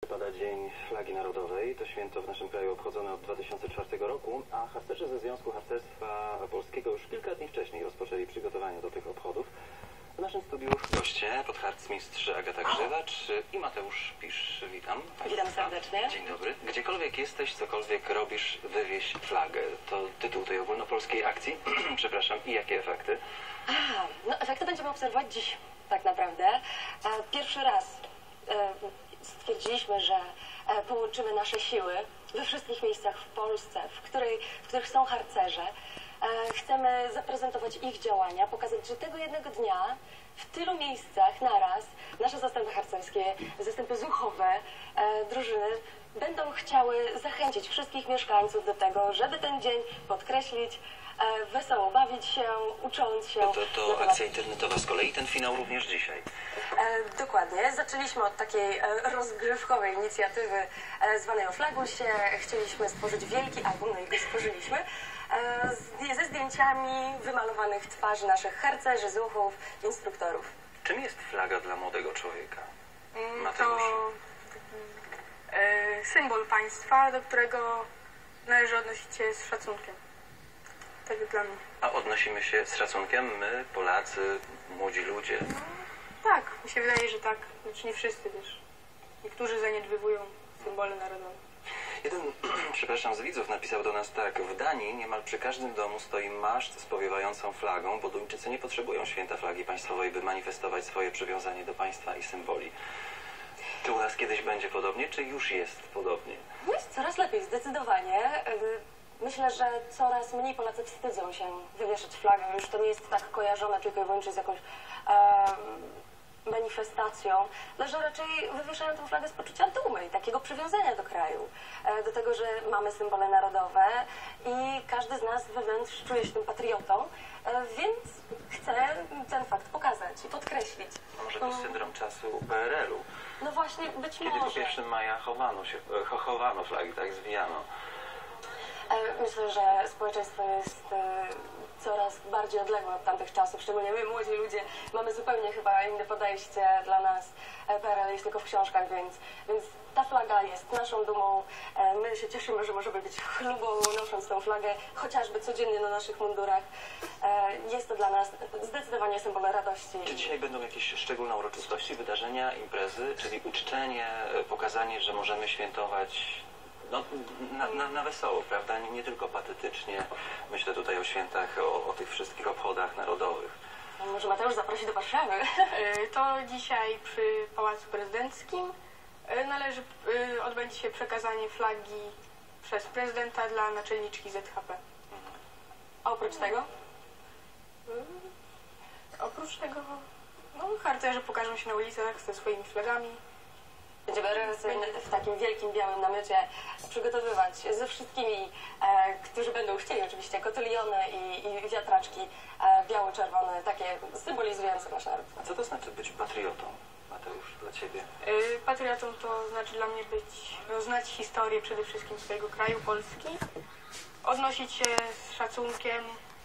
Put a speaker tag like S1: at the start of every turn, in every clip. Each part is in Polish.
S1: Pada Dzień Flagi Narodowej. To święto w naszym kraju obchodzone od 2004 roku, a harcerze ze Związku Harcerstwa Polskiego już kilka dni wcześniej rozpoczęli przygotowania do tych obchodów. W naszym studiu goście, podharcmistrz Agata Grzywacz i Mateusz Pisz. Witam Państwa.
S2: Witam serdecznie.
S1: Dzień dobry. Gdziekolwiek jesteś, cokolwiek robisz, wywieź flagę. To tytuł tej ogólnopolskiej akcji. Przepraszam. I jakie efekty?
S2: No efekty będziemy obserwować dziś, tak naprawdę. Pierwszy raz stwierdziliśmy, że połączymy nasze siły we wszystkich miejscach w Polsce, w których są harcerze. Chcemy zaprezentować ich działania, pokazać, że tego jednego dnia w tylu miejscach naraz nasze zastępy harcerskie, zastępy zuchowe, drużyny będą chciały zachęcić wszystkich mieszkańców do tego, żeby ten dzień podkreślić, wesoło bawić się, ucząc się.
S1: To akcja internetowa z kolei, ten finał również dzisiaj.
S2: Dokładnie. Zaczęliśmy od takiej rozgrywkowej inicjatywy zwanej o Flagusie. Chcieliśmy stworzyć wielki album, no i go stworzyliśmy, ze zdjęciami wymalowanych twarzy naszych harcerzy, zuchów, instruktorów.
S1: Czym jest flaga dla młodego człowieka?
S3: To symbol państwa, do którego należy odnosić się z szacunkiem. Tak dla mnie.
S1: A odnosimy się z szacunkiem my, Polacy, młodzi ludzie?
S3: Tak, mi się wydaje, że tak. Znaczy nie wszyscy też. Niektórzy zaniedbywują symbole narodowe.
S1: Jeden, przepraszam, z widzów napisał do nas tak: w Danii niemal przy każdym domu stoi maszt z powiewającą flagą, bo Duńczycy nie potrzebują święta flagi państwowej, by manifestować swoje przywiązanie do państwa i symboli. Czy u nas kiedyś będzie podobnie, czy już jest podobnie?
S2: Jest coraz lepiej, zdecydowanie. Myślę, że coraz mniej Polacy wstydzą się wywieszać flagę. Już to nie jest tak kojarzone tylko i wyłącznie z jakąś manifestacją, ale że raczej wywieszają tę flagę z poczucia dumy i takiego przywiązania do kraju, do tego, że mamy symbole narodowe i każdy z nas wewnątrz czuje się tym patriotą, więc chce ten fakt pokazać i podkreślić.
S1: A może to syndrom czasu PRL-u?
S2: No właśnie, być
S1: Kiedy
S2: może.
S1: po 1 maja chowano flagi, tak zwijano.
S2: Myślę, że społeczeństwo jest coraz bardziej odległe od tamtych czasów, szczególnie my, młodzi ludzie, mamy zupełnie chyba inne podejście. Dla nas PRL jest tylko w książkach, więc ta flaga jest naszą dumą. My się cieszymy, że możemy być chlubą, nosząc tę flagę, chociażby codziennie na naszych mundurach. Jest to dla nas zdecydowanie symbol radości.
S1: Czy dzisiaj będą jakieś szczególne uroczystości, wydarzenia, imprezy, czyli uczczenie, pokazanie, że możemy świętować na wesoło, prawda? Nie tylko patetycznie. Myślę tutaj o świętach, o tych wszystkich obchodach narodowych.
S2: Może Mateusz zaprosi do Warszawy?
S3: To dzisiaj przy Pałacu Prezydenckim odbędzie się przekazanie flagi przez prezydenta dla naczelniczki ZHP.
S2: A oprócz tego?
S3: Oprócz tego harcerze pokażą się na ulicach ze swoimi flagami.
S2: Będziemy w takim wielkim białym namiocie przygotowywać ze wszystkimi, którzy będą chcieli oczywiście, kotyliony i wiatraczki biało-czerwone, takie symbolizujące nasz naród.
S1: A co to znaczy być patriotą, Mateusz, dla Ciebie?
S3: Patriotą to znaczy dla mnie znać historię przede wszystkim swojego kraju, Polski, odnosić się z szacunkiem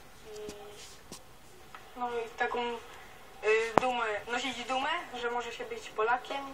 S3: i taką dumę, nosić dumę, że może się być Polakiem.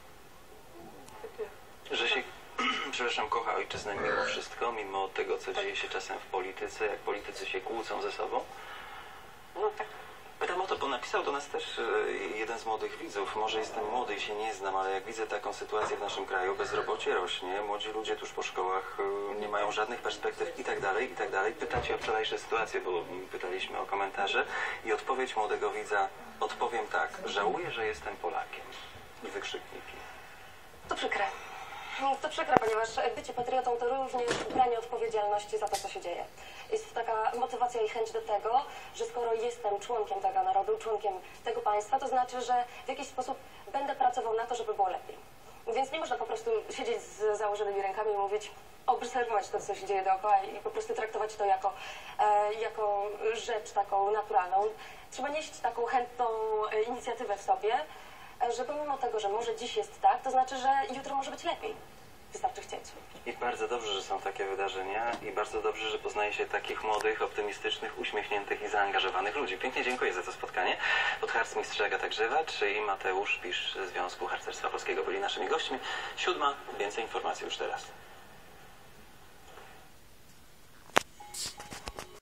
S1: Że się, przepraszam, kocha ojczyznę mimo wszystko, mimo tego, co dzieje się czasem w polityce, jak politycy się kłócą ze sobą?
S2: No tak.
S1: Pytam o to, bo napisał do nas też jeden z młodych widzów. Może jestem młody i się nie znam, ale jak widzę taką sytuację w naszym kraju, bezrobocie rośnie, młodzi ludzie tuż po szkołach nie mają żadnych perspektyw i tak dalej, i tak dalej. Pytacie o wczorajsze sytuacje, bo pytaliśmy o komentarze i odpowiedź młodego widza: odpowiem tak, żałuję, że jestem Polakiem. I wykrzykniki.
S2: To przykre. To przykre, ponieważ bycie patriotą to również branie odpowiedzialności za to, co się dzieje. Jest taka motywacja i chęć do tego, że skoro jestem członkiem tego narodu, członkiem tego państwa, to znaczy, że w jakiś sposób będę pracował na to, żeby było lepiej. Więc nie można po prostu siedzieć z założonymi rękami i mówić, obserwować to, co się dzieje dookoła i po prostu traktować to jako rzecz taką naturalną. Trzeba nieść taką chętną inicjatywę w sobie, że pomimo tego, że może dziś jest tak, to znaczy, że jutro może być lepiej. wystarczy chcieć.
S1: I bardzo dobrze, że są takie wydarzenia i bardzo dobrze, że poznaje się takich młodych, optymistycznych, uśmiechniętych i zaangażowanych ludzi. Pięknie dziękuję za to spotkanie. Podharcmistrz Agata Grzywacz i Mateusz Pisz ze Związku Harcerstwa Polskiego byli naszymi gośćmi. 7. Więcej informacji już teraz.